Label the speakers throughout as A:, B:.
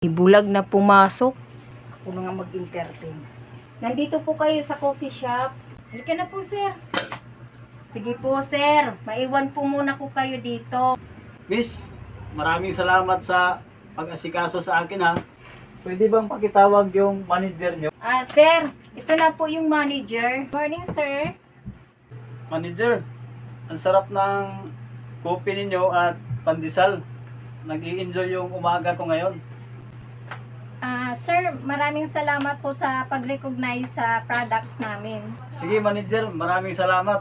A: Ibulag na pumasok.
B: Ako na nga mag-entertain. Nandito po kayo sa coffee shop. Halika na po, sir. Sige po, sir. Maiwan po muna ko kayo dito.
C: Miss, maraming salamat sa pag-asikaso sa akin ha. Pwede bang pakitawag yung manager nyo?
B: Sir, ito na po yung manager.
D: Morning, sir.
C: Manager, ang sarap ng kopi ninyo at pandesal. Nag-i-enjoy yung umaga ko ngayon.
D: Sir, maraming salamat po sa pag-recognize sa products namin.
C: Sige manager, maraming salamat.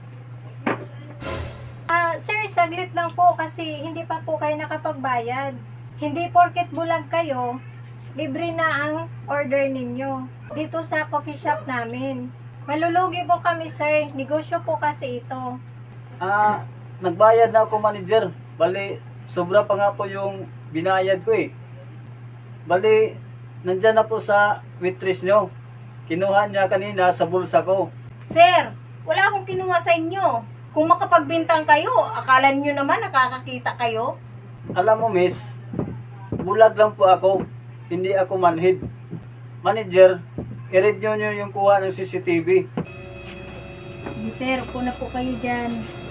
D: Sir, saglit lang po kasi hindi pa po kayo nakapagbayad. Hindi porket bulag kayo, libre na ang order ninyo dito sa coffee shop namin. Malulugi po kami, sir. Negosyo po kasi ito.
C: Nagbayad na ako manager. Bali, sobra pa nga po yung binayad ko eh. Bali, nandyan na po sa waitress nyo. Kinuha niya kanina sa bulsa ko.
B: Sir, wala akong kinuha sa inyo. Kung makapagbintang kayo, akala niyo naman nakakakita kayo.
C: Alam mo miss, bulag lang po ako. Hindi ako manhid. Manager, i-read nyo yung kuha ng CCTV.
B: Sir, upo na po kayo dyan.